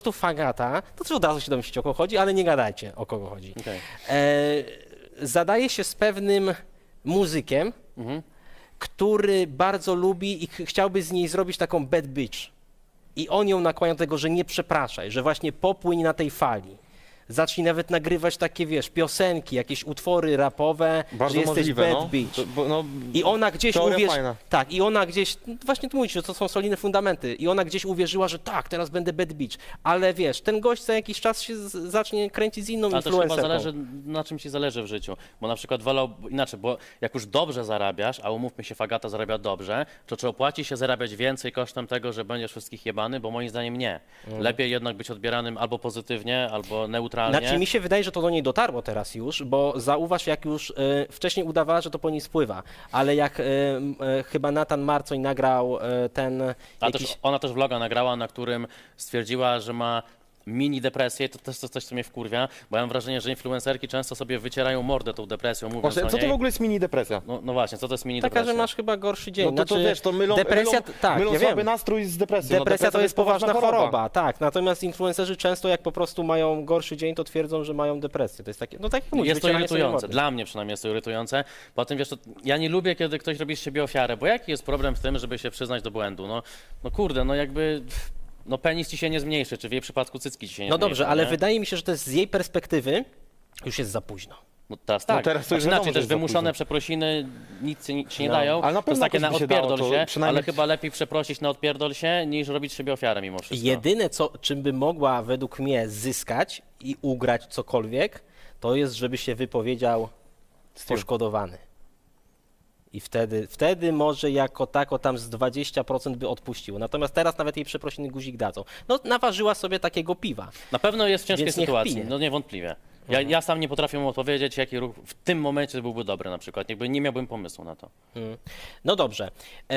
Tu Fagata, to też od razu się domyślicie, o kogo chodzi, ale nie gadajcie, o kogo chodzi. Okay. Zadaje się z pewnym muzykiem, który bardzo lubi i chciałby z niej zrobić taką bad bitch. I on ją nakłania do tego, że nie przepraszaj, że właśnie popłyń na tej fali. Zacznij nawet nagrywać takie, wiesz, piosenki, jakieś utwory rapowe, Bardzo że jesteś możliwe, bad no. bitch. No, I ona gdzieś fajna. tak, i ona gdzieś, właśnie tu mówisz, że to są solidne fundamenty, i ona gdzieś uwierzyła, że tak, teraz będę bad bitch, ale wiesz, ten gość za jakiś czas się zacznie kręcić z inną influencerką. Ale to chyba zależy, na czym ci zależy w życiu, bo na przykład wolał, inaczej, bo jak już dobrze zarabiasz, a umówmy się, Fagata zarabia dobrze, to czy opłaci się zarabiać więcej kosztem tego, że będziesz wszystkich jebany, bo moim zdaniem nie. Lepiej jednak być odbieranym albo pozytywnie, albo neutralnie. Znaczy mi się wydaje, że to do niej dotarło teraz już, bo zauważ, jak już wcześniej udawała, że to po niej spływa, ale jak chyba Nathan Marcoń nagrał ten jakiś... Ona też vloga nagrała, na którym stwierdziła, że ma mini depresję, to też coś, co mnie wkurwia, bo ja mam wrażenie, że influencerki często sobie wycierają mordę tą depresją, mówiąc Właśnie, o co niej. to w ogóle jest mini depresja? No właśnie, co to jest mini Taka, depresja? że masz chyba gorszy dzień. No to wiesz, to mylą, depresja, tak, mylą ja słaby wiem. nastrój z depresją. Depresja to jest poważna choroba, tak. Natomiast influencerzy często jak po prostu mają gorszy dzień, to twierdzą, że mają depresję. To jest takie, no tak jak mówisz, Jest to wycieranie sobie irytujące, mordy. dla mnie przynajmniej jest to irytujące. Potem wiesz, to ja nie lubię, kiedy ktoś robi z siebie ofiarę, bo jaki jest problem w tym, żeby się przyznać do błędu? No kurde, no jakby... No penis ci się nie zmniejszy, czy w jej przypadku cycki ci się nie No zmniejszy. dobrze, ale nie? wydaje mi się, że to jest z jej perspektywy już jest za późno. No teraz tak. No teraz to już wiadomo, inaczej że też jest za wymuszone późno. przeprosiny nic ci nie No, dają. ale na To jest pewno takie na jakoś by się dało, odpierdol to się, przynajmniej- ale chyba lepiej przeprosić na odpierdol się, niż robić z siebie ofiarę mimo wszystko. Jedyne, czym by mogła według mnie zyskać i ugrać cokolwiek, to jest, żeby się wypowiedział poszkodowany. I wtedy może jako tako tam z 20% by odpuścił. Natomiast teraz nawet jej przeprosiny guzik dadzą. No naważyła sobie takiego piwa. Na pewno jest w ciężkiej Więc niech sytuacji, pije. no niewątpliwie. Ja sam nie potrafię mu odpowiedzieć, jaki ruch w tym momencie byłby dobry na przykład. Jakby nie miałbym pomysłu na to. No dobrze.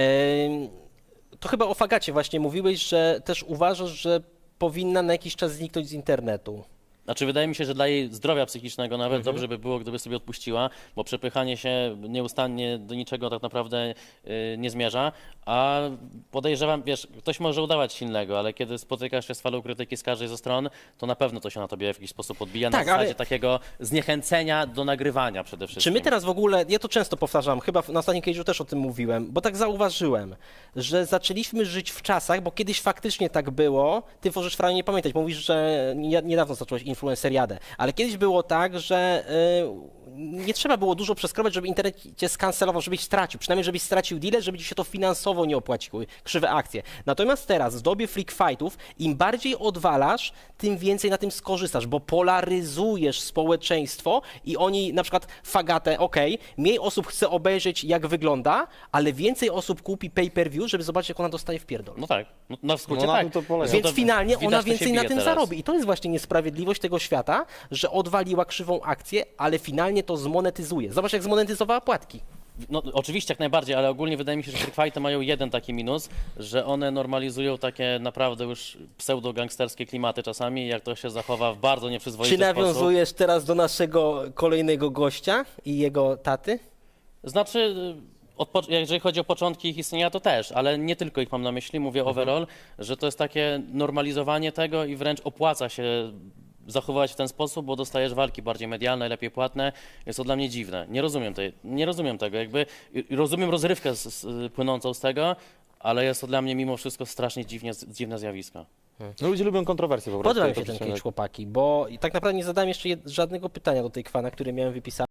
To chyba o Fagacie właśnie mówiłeś, że też uważasz, że powinna na jakiś czas zniknąć z internetu. Znaczy wydaje mi się, że dla jej zdrowia psychicznego nawet dobrze by było, gdyby sobie odpuściła, bo przepychanie się nieustannie do niczego tak naprawdę nie zmierza, a podejrzewam, wiesz, ktoś może udawać silnego, ale kiedy spotykasz się z falą krytyki z każdej ze stron, to na pewno to się na tobie w jakiś sposób odbija Tak, na zasadzie ale- takiego zniechęcenia do nagrywania przede wszystkim. Czy my teraz w ogóle, ja to często powtarzam, chyba na ostatnim cage'u też o tym mówiłem, bo tak zauważyłem, że zaczęliśmy żyć w czasach, bo kiedyś faktycznie tak było, ty możesz Franie nie pamiętać, mówisz, że niedawno zacząłeś influenceriadę, ale kiedyś było tak, że nie trzeba było dużo przeskrobać, żeby internet cię skancelował, żebyś stracił, przynajmniej żebyś stracił deale, żeby ci się to finansowo nie opłaciło, krzywe akcje. Natomiast teraz w dobie freak fightów, im bardziej odwalasz, tym więcej na tym skorzystasz, bo polaryzujesz społeczeństwo i oni na przykład Fagatę, mniej osób chce obejrzeć jak wygląda, ale więcej osób kupi pay-per-view, żeby zobaczyć jak ona dostaje w pierdol. No tak, no, na skrócie No na tak. tym to polega. Więc To finalnie widać, ona to się więcej na bije tym teraz. zarobi. I to jest właśnie niesprawiedliwość tego świata, że odwaliła krzywą akcję, ale finalnie to zmonetyzuje. Zobacz, jak zmonetyzowała płatki. No oczywiście jak najbardziej, ale ogólnie wydaje mi się, że freak fighty mają jeden taki minus, że one normalizują takie naprawdę już pseudo-gangsterskie klimaty czasami, jak to się zachowa w bardzo nieprzyzwoity Czy nawiązujesz teraz do naszego kolejnego gościa i jego taty? Znaczy, jeżeli chodzi o początki ich istnienia, to też, ale nie tylko ich mam na myśli, mówię overall, że to jest takie normalizowanie tego i wręcz opłaca się zachowywać w ten sposób, bo dostajesz walki bardziej medialne, lepiej płatne. Jest to dla mnie dziwne. Nie rozumiem tego. Jakby rozumiem rozrywkę płynącą z tego, ale jest to dla mnie mimo wszystko strasznie dziwne zjawisko. No ludzie lubią kontrowersje po prostu. Podoba mi to się ten przecież- cage, chłopaki, bo tak naprawdę nie zadałem jeszcze żadnego pytania do tej kwana, które miałem wypisane.